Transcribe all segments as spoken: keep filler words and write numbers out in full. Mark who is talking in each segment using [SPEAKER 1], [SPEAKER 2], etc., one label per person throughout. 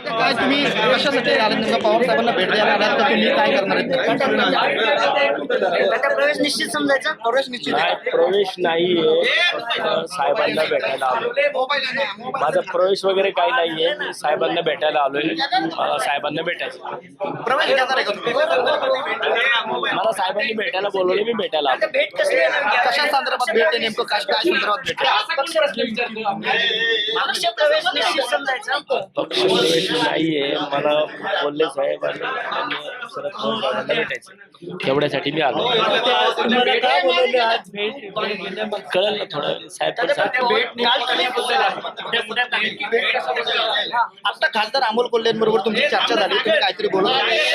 [SPEAKER 1] काय तुम्ही कशासाठी आले नेमकं पवार साहेबांना भेट द्यायला आलात का तुम्ही काय करणार आहेत?
[SPEAKER 2] आता प्रवेश निश्चित समजायचा.
[SPEAKER 1] प्रवेश निश्चित
[SPEAKER 3] नाही,
[SPEAKER 1] आहे.
[SPEAKER 3] प्रवेश नाहीये. साहेबांना भेटायला आलोय. माझा प्रवेश वगैरे काही नाहीये. मी साहेबांना भेटायला आलोय. मला साहेबांना भेटायचं.
[SPEAKER 1] प्रवेश घेणार आहे का तुम्ही?
[SPEAKER 3] मला साहेबांनी भेटायला बोलवले, मी भेटायला आलो.
[SPEAKER 2] भेट कसली आहे नेमकी?
[SPEAKER 1] कशा संदर्भात भेट आहे नेमकं काय काय संदर्भात भेट आहे?
[SPEAKER 2] पक्ष प्रवेश निश्चित समजायचा.
[SPEAKER 3] पक्ष प्रवेश नाहीये. मला बोलले साहेबांनी आणि शरद पवार साहेबांना भेटायचं. एवढ्यासाठी मी आलो. कळलं ना थोडं साहेब पण सांगतील.
[SPEAKER 1] आता खासदार अमोल कोल्हेंबरोबर तुमची चर्चा झाली, तुम्ही काहीतरी बोलत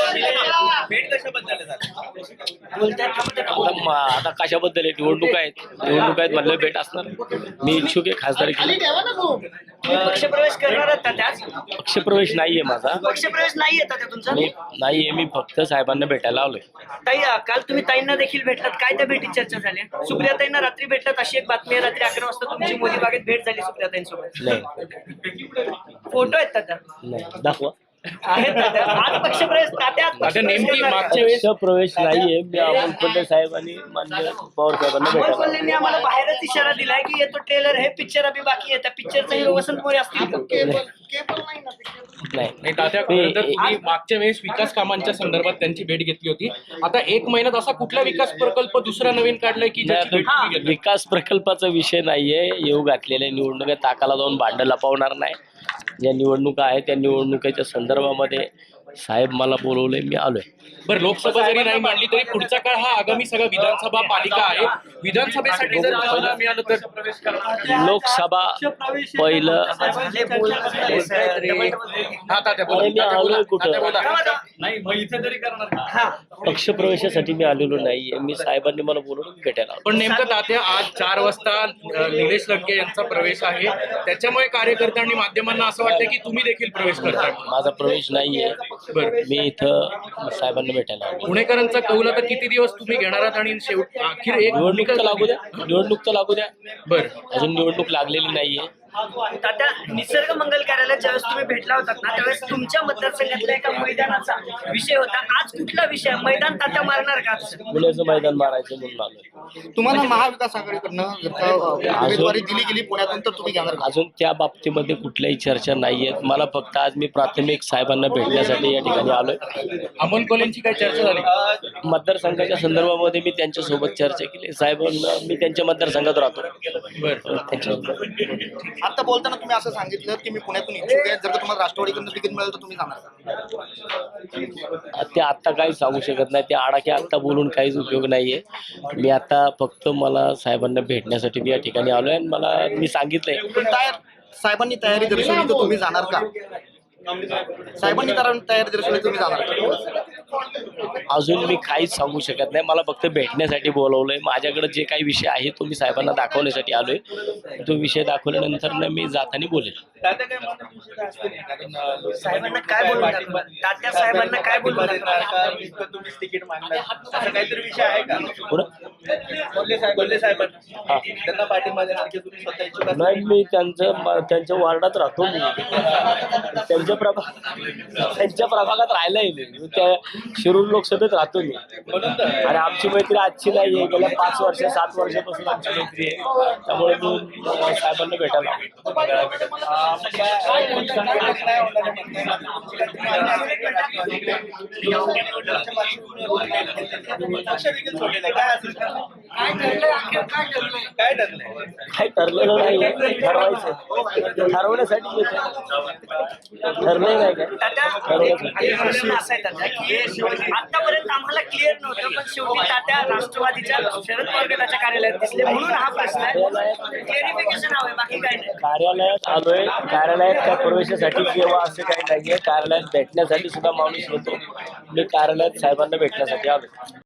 [SPEAKER 3] आता म- आता कशाबद्दल आहे? निवडणूक आहेत, निवडणूक आहेत म्हणलं भेट असणार. मी इच्छुक आहे खासदार केली.
[SPEAKER 2] तुम्ही पक्ष प्रवेश करणार आहात का त्याच?
[SPEAKER 3] पक्षप्रवेश नाहीये माझा.
[SPEAKER 2] पक्ष प्रवेश नाही येतात का तुमचा?
[SPEAKER 3] मी नाहीये. मी फक्त साहेबांना भेटायला आलोय.
[SPEAKER 2] ताई, काल तुम्ही ताईंना देखील भेटलात. काय त्या भेटीत चर्चा झाली? सुप्रिया ताईंना रात्री भेटलात अशी एक बातमी आहे. रात्री अकरा वाजता तुमची मोदी बागेत भेट झाली सुप्रिया ताईंसोबत.
[SPEAKER 3] नाही
[SPEAKER 2] फोटो आहेत तात्या?
[SPEAKER 3] नाही दाखवा.
[SPEAKER 2] आहेत तात्या. आज पक्ष प्रवेश तात्या आज पक्ष प्रवेश करणार का?
[SPEAKER 3] पक्षप्रवेश नाहीये. मी अमोल कोल्हे साहेब आणि माननीय पवार साहेबांना
[SPEAKER 2] अमोल
[SPEAKER 3] भेटायला
[SPEAKER 2] कोल्हेंनी आम्हाला बाहेरच इशारा दिलाय की येतो ट्रेलर, हे पिक्चर अभि बाकी आहे. त्या पिक्चरचा हिरो वसंत मोरे असतील का?
[SPEAKER 3] नाही.
[SPEAKER 4] नाही तात्या, खरं तर तुम्ही मागच्या वेळेस विकास कामांच्या संदर्भात त्यांची भेट घेतली होती. आता एक महिन्यात असा कुठला विकास प्रकल्प दुसरा नवीन काढलाय की ज्याची भेट तुम्ही घेतली?
[SPEAKER 3] विकास प्रकल्पाचा विषय नाहीये. येऊ घातलेल्या निवडणुका ताकाला जाऊन भांडं लपवणार नाही. ज्या निवडणुका आहेत त्या निवडणुकीच्या संदर्भामध्ये साहेब मला बोलवले, मी आलोय.
[SPEAKER 4] बरं, लोकसभा जरी नाही मांडली तरी पुढचा काळ हा आगामी सगळा विधानसभा पालिका आहे. विधानसभेसाठी जर तुम्हाला मिळालं तर
[SPEAKER 3] लोकसभा पहिलं.
[SPEAKER 2] झाले बोल झाले सर. डबल-
[SPEAKER 4] हा तात्या बोला.
[SPEAKER 3] अरे मी आलोय कुठं?
[SPEAKER 4] तात्या बोला.
[SPEAKER 3] पक्षप्रवेशासाठी मी आलेलो नाहीये. मी साहेबांनी मला बोलवलं, मी भेटायला आलो.
[SPEAKER 4] पण नेमकं तात्या आज चार वाजता अ, निलेश लंके यांचा प्रवेश आहे. त्याच्यामुळे कार्यकर्त्यांनी माध्यमांना असं वाटतं की तुम्ही देखील प्रवेश करताय.
[SPEAKER 3] माझा प्रवेश नाहीये.
[SPEAKER 4] बरं,
[SPEAKER 3] मी इथं साहेबांना भेटायला आलो.
[SPEAKER 4] पुणेकरांचा कौल आता किती दिवस तुम्ही घेणार आहात आणि शेवट अखेर एक
[SPEAKER 3] निवडणूक तर लागू द्या. निवडणूक तर लागू द्या.
[SPEAKER 4] बरं,
[SPEAKER 3] अजून निवडणूक लागलेली नाहीये.
[SPEAKER 2] तात्या, निसर्ग मंगल कार्यालयात ज्यावेळेस तुम्ही भेटला होतात ना त्यावेळेस तुमच्या मतदारसंघातल्या एका मैदानाचा विषय होता. आज कुठला विषय? मैदान तात्या मारणार का आज?
[SPEAKER 3] पुण्याचं मैदान मारायचं म्हणून आलोय.
[SPEAKER 1] तुम्हाला महाविकास आघाडीकडनं जर का उमेदवारी दिली गेली पुण्यातून तर तुम्ही घेणार का?
[SPEAKER 3] अजून त्या बाबतीमध्ये कुठल्याही चर्चा नाहीये. मला फक्त आज मी प्राथमिक साहेबांना भेटण्यासाठी या ठिकाणी आलोय.
[SPEAKER 4] अमोल कोल्हेंची काय चर्चा झाली?
[SPEAKER 3] मतदारसंघाच्या संदर्भामध्ये मी त्यांच्यासोबत चर्चा केली. साहेबांना मी त्यांच्या मतदारसंघात राहतो.
[SPEAKER 4] बरं,
[SPEAKER 3] त्यांच्यासोबत
[SPEAKER 1] आता बोलताना तुम्ही असं सांगितलं की मी पुण्यातून इच्छुक आहे, जर का तुम्हाला राष्ट्रवादीकडून तिकीट मिळेल तर तुम्ही जाणार का?
[SPEAKER 3] ते आत्ता काही सांगू शकत नाही. ते आडाखे आत्ता बोलून काहीच उपयोग नाहीये. मी आता फक्त मला साहेबांना भेटण्यासाठी मी या ठिकाणी आलोय आणि मला मी सांगितलंय.
[SPEAKER 1] पण तयार साहेबांनी तयारी दर्शवली तर तुम्ही जाणार का? साहेबांनी तर तयारी दर्शवली तुम्ही जाणार का?
[SPEAKER 3] अजून मी काहीच सांगू शकत नाही. मला फक्त भेटण्यासाठी बोलवलंय. माझ्याकडे जे काही विषय आहे तो मी साहेबांना दाखवण्यासाठी आलोय. तो विषय दाखवल्यानंतर ना मी जाताना बोलेल.
[SPEAKER 2] साहेबांना काय बोलून दाखवा? तात्या साहेबांना काय बोलून दाखवा?
[SPEAKER 5] तिकीट मागणार असं काहीतरी विषय आहे का?
[SPEAKER 3] पुढं
[SPEAKER 5] कोल्हे साहेब कोल्हे साहेबांना
[SPEAKER 3] हा.
[SPEAKER 5] त्यांना पाठिंबा देणार की तुम्ही स्वतः इच्छुक असाल?
[SPEAKER 3] नाही, मी त्यांचं त्यांच्या वार्डात राहतो. मी त्यांच्या प्रभा त्यांच्या प्रभागात राहिलाय मी. मी त्या शिरूर लोकसभेत राहतो मी. आणि आमची मैत्री आजची नाही आहे. गेल्या पाच वर्ष सात वर्षापासून आमची मैत्री आहे. त्यामुळे मी अं, साहेबांना भेटायला आलो.
[SPEAKER 5] पक्ष देखील सोडलेला आहे. काय असेल? काय ठरलंय?
[SPEAKER 3] काही ठरलेलं नाही. ठरवायचं ठरवण्यासाठी येतो. ठरलंय नाही काय
[SPEAKER 2] तात्या, एक प्रश्न असा आहे तात्या की आतापर्यंत आम्हाला क्लिअर नव्हतं, पण शेवटी तात्या राष्ट्रवादीच्या शरद पवार गटाच्या कार्यालयात दिसले म्हणून हा प्रश्न आहे. क्लिअरिफिकेशन हवंय, बाकी काय नाही.
[SPEAKER 3] कार्यालयात आलोय. कार्यालयात त्या प्रवेशासाठी किंवा असं काही नाहीये. कार्यालयात भेटण्यासाठी सुद्धा माणूस येतो. मी कार्यालयात साहेबांना भेटण्यासाठी आलोय.